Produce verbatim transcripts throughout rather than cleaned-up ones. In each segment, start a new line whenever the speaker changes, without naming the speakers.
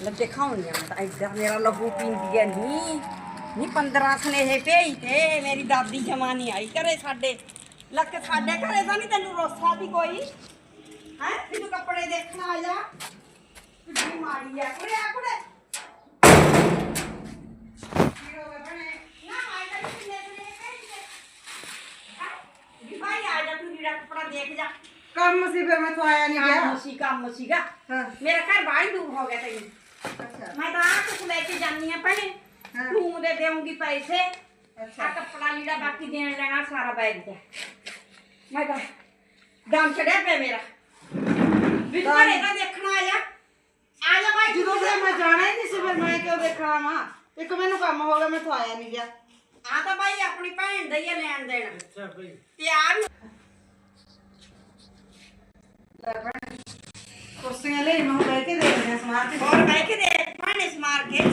ਲੈ ਦਿਖਾਉਣੀ ਆ ਮੈਂ ਤਾਂ ਏਦਾਂ ਮੇਰਾ ਲਹੂ ਪੀਂਦੀ ਐ ਨੀ ਨੀ ਪੰਦਰਾਂ ਸਨੇਹੇ ਭੇਜ ਤੇ ਮੇਰੀ ਦਾਦੀ ਜਮਾ ਨਹੀਂ ਆਈ ਘਰੇ ਸਾਡੇ ਲੱਕ ਸਾਡੇ ਘਰੇ ਤਾਂ ਨਹੀਂ ਤੈਨੂੰ ਰੋਸਾ ਦੀ ਕੋਈ ਹੈ ਵੀ ਤੂੰ ਕੱਪੜੇ ਦੇਖਣ ਆ ਜਾ ਕਿੱਡੀ ਮਾੜੀ ਆ ਕੁੜੇ ਆ ਕੁੜੇ ਕੀ ਹੋ ਗਿਆ ਬਣੇ ਨਾ ਆਈ ਤਾਂ ਕਿੰਨੇ ਸਨੇਹੇ ਭੇਜ ਤੇ ਹੈ ਭਾਈ ਆ ਜਾ ਤੂੰ ਜਿਹੜਾ ਕੱਪੜਾ ਦੇਖ ਜਾ
ਕੰਮ ਸੀ ਫਿਰ ਮੈਂ ਤੋਂ ਆਇਆ ਨਹੀਂ ਗਿਆ
ਕੰਮ ਸੀ ਕੰਮ ਸੀਗਾ
ਹਾਂ
ਮੇਰਾ ਘਰ ਬਾਹਰ ਦੂਰ ਹੋ ਗਿਆ ਤੈਨੂੰ
ਅੱਛਾ
ਮੈਂ ਤਾਂ ਆ ਕੁਛ ਲੈ ਕੇ ਜਾਨੀ ਆ ਭੈਣੇ ਤੂੰ ਦੇ ਦੇਉਂਗੀ ਪੈਸੇ ਆ ਕੱਪੜਾ ਲੀੜਾ ਬਾਕੀ ਦੇਣ ਲੈਣਾ ਸਾਰਾ ਬੈਗ ਦਾ ਮੈਂ ਤਾਂ ਦਮ ਚੜਿਆ ਪਿਆ ਮੇਰਾ ਵੀ ਤੂੰ ਘਰੇ ਤਾਂ ਦੇਖਣਾ ਆ ਜਾ ਆ ਜਾ ਭਾਈ
ਜਦੋਂ ਫਿਰ ਮੈਂ ਜਾਣਾ ਹੀ ਨਹੀਂ ਸੀ ਫਿਰ ਮੈਂ ਕਿਉਂ ਦੇਖਣਾ ਵਾ ਇੱਕ ਮੈਨੂੰ ਕੰਮ ਹੋ ਗਿਆ ਮੈਂ ਤੋਂ ਆਇਆ ਨਹੀਂ ਗਿਆ
ਆ ਤਾਂ ਭਾਈ ਆਪਣੀ ਭੈਣ ਦਾ ਹੀ ਆ ਲੈਣ ਦੇਣ
ਅੱਛਾ ਭਾਈ
ਤੇ ਆ ਵੀ
ਕੁਰਸੀਆਂ ਲਈ ਮੈਂ ਬਹਿ ਕੇ ਦੇਖਦੇ ਸਮਾਰ ਕੇ
ਹੋਰ ਬਹਿ ਕੇ ਦੇ ਭਾਣੇ ਸਮਾਰ ਕੇ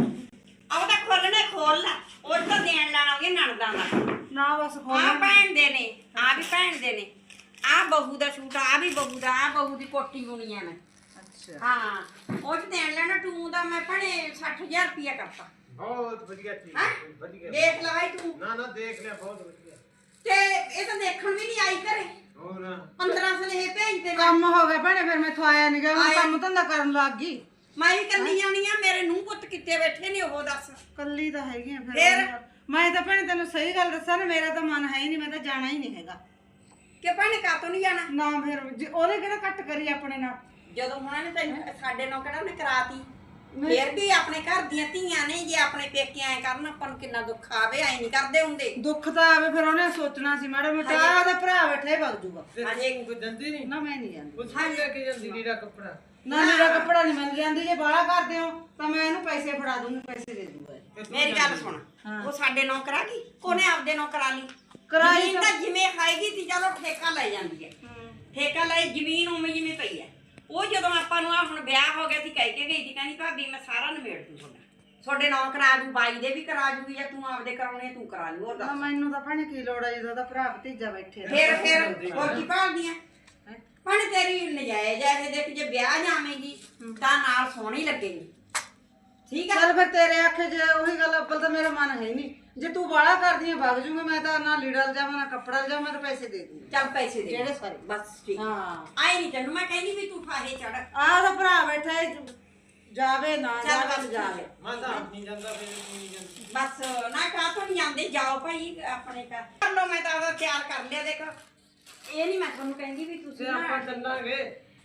ਆਹ ਤਾਂ ਖੋਲਣੇ ਖੋਲ ਲੈ ਉਹ ਤਾਂ ਦੇਣ ਲੈਣਾ ਉਹਗੇ ਨਣਦਾਂ ਦਾ
ਨਾ ਬਸ
ਆ
ਖੋਲ
ਭੈਣ ਦੇ ਨੇ ਆ ਵੀ ਭੈਣ ਦੇ ਨੇ ਆ ਬਹੂ ਦਾ ਸੂਟ ਆ ਵੀ ਬਹੂ ਦਾ ਆ ਬਹੂ ਦੀ ਕੋਟੀ ਬੁਣੀ ਆ ਮੈਂ
ਅੱਛਾ
ਹਾਂ ਉਹ ਚ ਦੇਣ ਲੈਣਾ ਟੂ ਦਾ ਮੈਂ ਭਣੇ ਸੱਠ ਹਜ਼ਾਰ ਰੁਪਇਆ ਕਰਤਾ
ਬਹੁਤ ਵਧੀਆ ਚੀਜ਼
ਹੈਂ?
ਵਧੀਆ
ਦੇਖ ਲੈ ਭਾਈ ਤੂੰ
ਨਾ ਨਾ ਦੇਖ ਲਿਆ ਬਹੁਤ ਵਧੀਆ
ਤੇ ਇਹ ਤਾਂ ਦੇਖਣ ਵੀ ਨਹੀਂ ਆਈ ਘਰੇ
ਹੋਰ
ਪੰਦਰਾਂ ਸਨੇਹੇ ਭੇਜ ਤੇ
ਕੰਮ ਹੋ ਗਿਆ ਭੈਣੇ ਫਿਰ ਮੈਂ ਤੋਂ ਆਇਆ ਨਹੀਂ ਗਿਆ ਮੈਂ ਕੰਮ ਧੰਦਾ ਕਰਨ ਲੱਗ ਗਈ
ਮੈਂ ਵੀ ਕੱਲੀ ਆਉਣੀ ਆ ਮੇਰੇ ਨੂੰਹ ਪੁੱਤ ਕਿੱਥੇ ਬੈਠੇ ਨੇ ਉਹ ਦੱਸ
ਕੱਲੀ ਤਾਂ ਹੈਗੀ ਆ
ਫਿਰ?
ਫਿਰ ਮੈਂ ਤਾਂ ਭੈਣੇ ਤੈਨੂੰ ਸਹੀ ਗੱਲ ਦੱਸਾਂ ਨਾ ਮੇਰਾ ਤਾਂ ਮਨ ਹੈ ਹੀ ਨਹੀਂ ਮੈਂ ਤਾਂ ਜਾਣਾ ਹੀ ਨਹੀਂ ਹੈਗਾ
ਕਿ ਭੈਣੇ ਕਾਤੋਂ ਨਹੀਂ ਜਾਣਾ
ਨਾ ਫਿਰ ਜੇ ਉਹਨੇ ਕਿਹੜਾ ਕੱਟ ਕਰੀ ਆਪਣੇ ਨਾਲ
ਜਦੋਂ ਉਹਨਾਂ ਨੇ ਤੈਨੂੰ ਸਾਡੇ ਨਾਲ ਕਿਹੜਾ ਉਹਨੇ ਕਰਾਤੀ ਫੇਰ ਵੀ ਆਪਣੇ ਘਰ ਦੀਆਂ ਧੀਆਂ ਨੇ ਜੇ ਆਪਣੇ ਪੇਕੇ ਐ ਕਰਨ ਆਪਾਂ ਨੂੰ ਕਿੰਨਾ ਦੁੱਖ ਆਵੇ ਐ ਨਹੀਂ ਕਰਦੇ ਹੁੰਦੇ
ਦੁੱਖ ਤਾਂ ਆਵੇ ਫਿਰ ਉਹਨੇ ਸੋਚਣਾ ਸੀ ਮੈਡਮ ਮੈਂ ਤਾਂ ਉਹਦਾ ਭਰਾ ਬੈਠੇ ਵਗ ਜੂਗਾ
ਹਜੇ
ਕੋਈ ਦਿੰਦੀ ਨਹੀਂ
ਨਾ ਮੈਂ ਨਹੀਂ ਜਾਂਦੀ
ਕੁਝ ਨਹੀਂ ਲੈ ਕੇ ਜਾਂਦੀ ਲੀੜਾ ਕੱਪੜਾ
ਨਾ ਮੇਰਾ ਕੱਪੜਾ ਨਹੀਂ ਮਿਲ ਜਾਂਦੀ ਜੇ ਬਾਹਲਾ ਕਰਦੇ ਹੋ ਤਾਂ ਮੈਂ ਇਹਨੂੰ ਪੈਸੇ ਫੜਾ ਦੂੰਗੀ ਪੈਸੇ ਦੇ ਦੂੰਗਾ
ਮੇਰੀ ਗੱਲ ਸੁਣ ਉਹ ਸਾਡੇ ਨਾਲ ਕਰਾ ਗਈ ਕੋਨੇ ਆਪਦੇ ਨਾਲ ਕਰਾ ਲਈ
ਕਰਾਈ
ਜ਼ਮੀਨ ਤਾਂ ਜਿਵੇਂ ਖਾਏਗੀ ਸੀ ਚਲੋ ਠੇਕਾ ਲੈ ਜਾਂਦੀ ਹੈ ਠੇਕਾ ਲੈ ਜ਼ਮੀਨ ਉਵੇਂ ਜਿਵੇਂ ਪਈ ਹੈ ਉਹ ਜਦੋਂ ਆਪਾਂ ਨੂੰ ਆ ਹੁਣ ਵਿਆਹ ਹੋ ਗਿਆ ਸੀ ਕਹਿ ਕੇ ਗਈ ਸੀ ਕਹਿੰਦੀ ਭਾਬੀ ਮੈਂ ਸਾਰਾ ਨਿਬੇੜ ਦੂੰ ਤੁਹਾਡਾ ਤੁਹਾਡੇ ਨਾਲ ਕਰਾ ਦੂੰ ਬਾਈ ਦੇ ਵੀ ਕਰਾ ਦੂਗੀ ਜਾਂ ਤੂੰ ਆਪਦੇ ਕਰਾਉਣੇ ਤੂੰ ਕਰਾ ਲਈ ਹੋਰ
ਨਾ
ਦੱਸ
ਮੈਨੂੰ ਤਾਂ ਭੈਣੇ ਕੀ ਲੋੜ ਹੈ ਜਦੋਂ ਉਹਦਾ ਭਰਾ ਭਤੀਜਾ ਬੈਠੇ ਆ।
ਫੇਰ ਫੇਰ ਹੋਰ ਕੀ ਭਾਲਦੀਆਂ ਭੈਣੇ ਤੇਰੀ ਨਜਾਇਜ਼ ਹੈ ਇਹ ਦੇਖ ਜੇ ਵਿਆਹ ਜਾਵੇਂਗੀ ਤਾਂ ਨਾਲ ਸੋਹਣੀ ਲੱਗੇਗੀ ਠੀਕ ਹੈ
ਚੱਲ ਫਿਰ ਤੇਰੇ ਆਖੇ ਜੇ ਉਹੀ ਗੱਲ ਅੱਬਲ ਤਾਂ ਮੇਰਾ ਮਨ ਹੈ ਨਹੀਂ ਜੇ ਤੂੰ ਬਾਹਲਾ ਕਰਦੀ ਆ ਵਗ ਜੂਗਾ ਮੈਂ ਤਾਂ ਨਾ ਲੀੜਾ ਲਜਾਵਾਂ ਨਾ ਕੱਪੜਾ ਲਜਾਵਾਂ ਮੈਂ ਤਾਂ ਪੈਸੇ ਦੇ ਦੂੰਗੀ
ਚੱਲ ਪੈਸੇ ਦੇ
ਜਿਹੜੇ ਸਾਰੇ
ਬਸ ਠੀਕ
ਹਾਂ
ਆਈ ਨਹੀਂ ਤੈਨੂੰ ਮੈਂ ਕਹਿੰਦੀ ਵੀ ਤੂੰ ਫਾਹੇ ਚੜ
ਆਹ ਉਹਦਾ ਭਰਾ ਬੈਠਾ ਹੈ, ਜਾਵੇ ਨਾ
ਚੱਲ
ਜਾਵੇ
ਬਸ
ਜਾਵੇ
ਮੈਂ ਤਾਂ ਆਪ ਨਹੀਂ ਜਾਂਦਾ ਫਿਰ ਤੂੰ ਨਹੀਂ ਜਾਂਦੀ
ਬਸ ਨਾ ਕਾਹ ਤੋਂ ਨਹੀਂ ਜਾਂਦੇ ਜਾਓ ਭਾਈ ਆਪਣੇ ਘਰ ਕਰ ਲਓ ਮੈਂ ਤਾਂ ਉਹਦਾ ਤਿਆਰ ਕਰ ਲਿਆ ਦੇਖ ਇਹ ਨਹੀਂ ਮੈਂ ਤੁਹਾਨੂੰ ਕਹਿੰਦੀ ਵੀ ਤੁਸੀਂ
ਤੇ
ਨਾ
ਆਪਾਂ ਚੱਲਾਂਗੇ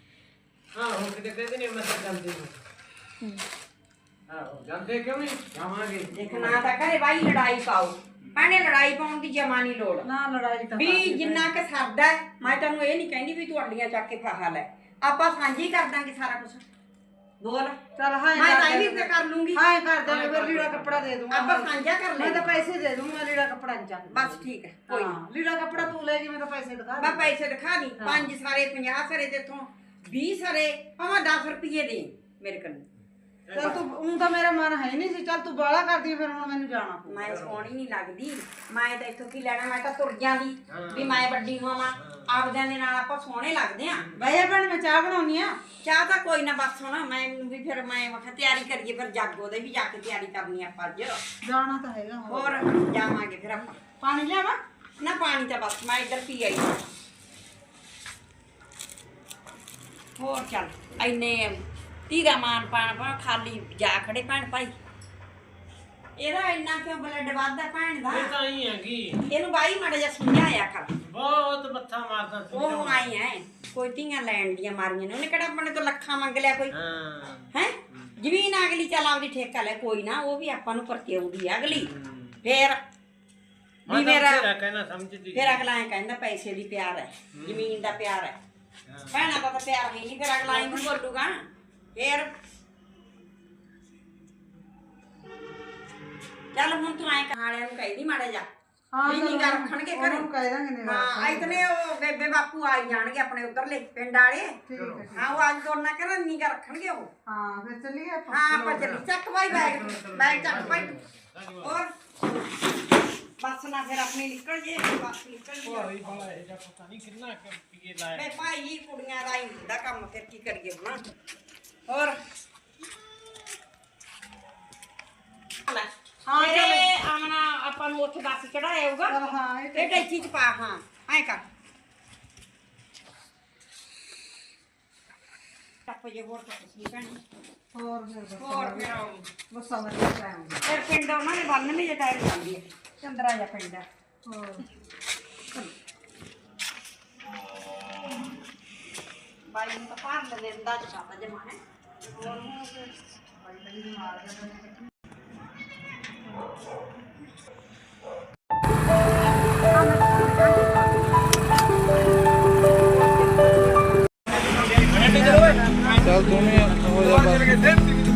ਹਾਂ ਹੁਣ ਕਿਤੇ ਕਹਿੰਦੇ ਨੇ ਮੈਂ ਤਾਂ ਜਾਂਦੀ ਨਹੀਂ ਆਹੋ ਜਾਂਦੇ ਕਿਉਂ ਨਹੀਂ ਜਾਵਾਂਗੇ
ਦੇਖ ਨਾ ਤਾਂ ਘਰੇ ਭਾਈ ਲੜਾਈ ਪਾਓ ਭੈਣੇ ਲੜਾਈ ਪਾਉਣ ਦੀ ਜਮਾ ਨਹੀਂ ਲੋੜ
ਨਾ ਲੜਾਈ ਤਾਂ
ਵੀ ਜਿੰਨਾ ਕਿ ਸਰਦਾ ਹੈ, ਮੈਂ ਤੈਨੂੰ ਇਹ ਨਹੀਂ ਕਹਿੰਦੀ ਵੀ ਤੂੰ ਅੱਡੀਆਂ ਚੱਕ ਕੇ ਫਾਹਾ ਲੈ ਆਪਾਂ ਸਾਂਝੀ ਕਰ ਦਾਂਗੇ ਸਾਰਾ ਕੁਝ ਬੋਲ
ਚੱਲ ਹਾਂ
ਮੈਂ ਤਾਂ ਇਹ ਵੀ ਕਰ ਲੂੰਗੀ
ਹਾਂ ਕਰ ਦੇ ਫਿਰ ਲੀੜਾ ਕੱਪੜਾ ਦੇ ਦੂੰਗਾ
ਆਪਾਂ ਸਾਂਝਾ ਕਰ
ਮੈਂ ਤਾਂ
ਲੈ
ਪੈਸੇ ਦੇ ਦੂੰਗਾ ਮੈਂ ਲੀੜਾ ਕੱਪੜਾ ਨਹੀਂ ਚੱਕ
ਬਸ ਠੀਕ ਹੈ ਕੋਈ
ਹਾਂ ਲੀੜਾ ਕੱਪੜਾ ਤੂੰ ਲੈ ਜੀ ਮੈਂ ਤਾਂ ਪੈਸੇ ਦਿਖਾ
ਮੈਂ ਪੈਸੇ ਦਿਖਾ ਦੀ ਪੰਜ ਸਾਰੇ ਪੰਜਾਹ ਸਾਰੇ ਤੇਥੋਂ ਵੀਹ ਸਾਰੇ ਭਾਵੇਂ ਦਸ ਰੁਪਏ ਦੇ ਮੇਰੇ ਕੋਲ
ਚੱਲ ਤੂੰ ਉਹ ਤਾਂ ਮੇਰਾ ਮਨ ਹੈ ਨਹੀਂ ਸੀ ਚੱਲ ਤੂੰ ਬਾਹਲਾ ਕਰਦੀ ਫਿਰ ਹੁਣ ਮੈਨੂੰ ਜਾਣਾ ਪਊ
ਮੈਂ ਸੋਹਣੀ ਨਹੀਂ ਲੱਗਦੀ ਮੈਂ ਤਾਂ ਇੱਥੋਂ ਕੀ ਲੈਣਾ ਮੈਂ ਤਾਂ ਤੁਰ ਜਾਂਦੀ ਵੀ ਮੈਂ ਵੱਡੀ ਹੋਵਾਂ ਆਪਦਿਆਂ ਦੇ ਨਾਲ ਆਪਾਂ ਸੋਹਣੇ ਲੱਗਦੇ ਆ
ਬਈਆ ਭੈਣ ਮੈਂ ਚਾਹ ਬਣਾਉਣੀ ਆ
ਚਾਹ ਤਾਂ ਕੋਈ ਨਾ ਬਸ ਹੁਣ ਮੈਂ ਵੀ ਫਿਰ ਮੈਂ ਵਖਾ ਤਿਆਰੀ ਕਰੀਏ ਫਿਰ ਜਾਗੋ ਦੇ ਵੀ ਜਾ ਕੇ ਤਿਆਰੀ ਕਰਨੀ ਆਪਾਂ ਅੱਜ
ਜਾਣਾ ਤਾਂ ਹੈਗਾ
ਹੋਰ ਜਾਵਾਂਗੇ ਫਿਰ ਆਪਾਂ
ਪਾਣੀ ਲਿਆਵਾਂ
ਨਾ ਪਾਣੀ ਤਾਂ ਬਸ ਮੈਂ ਇੱਧਰ ਪੀ ਆਈ ਹੋਰ ਚੱਲ ਐਨੇ ਧੀਰਾ ਮਾਨ ਪਾਣ ਪਾ ਖਾਲੀ ਜਾ ਖੜੇ ਭੈਣ ਭਾਈ ਇਹਦਾ ਇੰਨਾ ਕਿਉਂ ਬਲੱਡ ਵੱਧਦਾ ਭੈਣ ਦਾ
ਇਹ ਤਾਂ ਹੀ ਹੈਗੀ
ਇਹਨੂੰ ਬਾਈ ਮਾੜਾ ਜਿਹਾ ਸਮਝਾਇਆ ਕਰ
ਬਹੁਤ ਮੱਥਾ ਮਾਰਦਾ ਸੀ
ਉਹ ਆਈ ਐ ਕੋਈ ਧੀਆਂ ਲੈਣ ਦੀਆਂ ਮਾਰੀਆਂ ਨੇ ਉਹਨੇ ਕਿਹੜਾ ਆਪਣੇ ਤੋਂ ਲੱਖਾਂ ਮੰਗ ਲਿਆ ਕੋਈ
ਹਾਂ
ਹੈ ਜ਼ਮੀਨ ਅਗਲੀ ਚੱਲ ਆਪਦੀ ਠੇਕਾ ਲੈ ਕੋਈ ਨਾ ਉਹ ਵੀ ਆਪਾਂ ਨੂੰ ਪਰਤੇ ਆਉਂਦੀ ਆ ਅਗਲੀ ਫੇਰ ਵੀ ਮੇਰਾ
ਕਹਿਣਾ ਸਮਝਦੀ
ਫਿਰ ਅਗਲਾ ਐ ਕਹਿੰਦਾ ਪੈਸੇ ਦੀ ਪਿਆਰ ਹੈ ਜ਼ਮੀਨ ਦਾ ਪਿਆਰ ਹੈ ਭੈਣਾਂ ਦਾ ਤਾਂ ਪਿਆਰ ਹੈ ਨਹੀਂ ਫਿਰ ਅਗਲਾ ਇਹਨੂੰ ਬੋਲੂਗਾ ਫੇਰ ਚੱਲ ਹੁਣ ਤੂੰ ਐ ਕਹਾਣਿਆਂ ਨੂੰ ਕਹਿਦੀ ਮਾੜਾ ਜਾ
ਹਾਂ
ਵੀ ਨਿਗਾ ਰੱਖਣਗੇ ਘਰੇ
ਉਹਨੂੰ ਕਹਿ ਦਾਂਗੇ ਨਿਗਾ
ਹਾਂ ਇਤਨੇ ਉਹ ਬੇਬੇ ਬਾਪੂ ਆਈ ਜਾਣਗੇ ਆਪਣੇ ਉਧਰਲੇ ਪਿੰਡ ਵਾਲੇ
ਠੀਕ ਹੈ
ਹਾਂ ਉਹ ਅੱਜ ਦੋਨਾਂ ਕਰ ਨਿਗਾ ਰੱਖਣਗੇ ਉਹ
ਹਾਂ ਫਿਰ ਚੱਲੀਏ ਆਪਾਂ
ਹਾਂ ਆਪਾਂ ਚੱਲੀ ਚੱਕ ਭਾਈ ਬੈਗ ਬੈਗ ਚੱਕ ਭਾਈ ਹੋਰ ਬਸ ਨਾ ਫਿਰ ਆਪਣੀ ਨਿਕਲ ਜੇ ਬਸ ਨਿਕਲ ਜੇ
ਭਾਈ ਬਾਲਾ ਇਹ ਜਾਂ ਪਤਾ ਨਹੀਂ ਕਿੰਨਾ ਕੁ ਪੀਏ ਲਾਇਆ
ਮੈਂ ਭਾਈ ਕੁੜੀਆਂ ਦਾ ਹੀ ਹੁੰਦਾ ਕੰਮ ਫਿਰ ਕੀ ਕਰੀਏ ਹੁਣ ਹੋਰ ਆਪਾਂ ਨੂੰ ਉੱਥੇ ਬੱਸ ਚੜਾਇਆ ਹੋਊਗਾ
ਚਲ ਹਾਂ ਇਹ
ਇਹ ਟੈਚੀ ਚ ਪਾ ਹਾਂ ਐ ਕਰ ਟੱਪ ਜੇ ਹੋਰ ਤਾਂ ਕੁਛ ਨੀ ਭੈਣੇ
ਹੋਰ ਫਿਰ
ਹੋਰ ਫਿਰ
ਬੱਸਾਂ ਵਧੀਆ ਟਾਈਮ
ਫਿਰ ਪਿੰਡ ਉਹਨਾਂ ਨੇ ਬੰਨ੍ਹਵੇਂ ਜੇ ਟਾਈਮ ਜਾਂਦੀ ਹੈ ਚੰਦਰਾ ਜਿਹਾ ਪਿੰਡ ਹੈ
ਹੋਰ
ਬਾਈ ਨੂੰ ਤਾਂ ਪਾਰ ਲੈਂਦੇ ਦਾ ਚਾਪਾ ਜਮਾ ਹੈ ਹੋਰ
ਬੜੀ ਬੜੀ ਮਾਰ ਗਿਆ
ਚੱਲ ਤੂੰ ਵੀ ਹੋ ਜਾ ਬਸ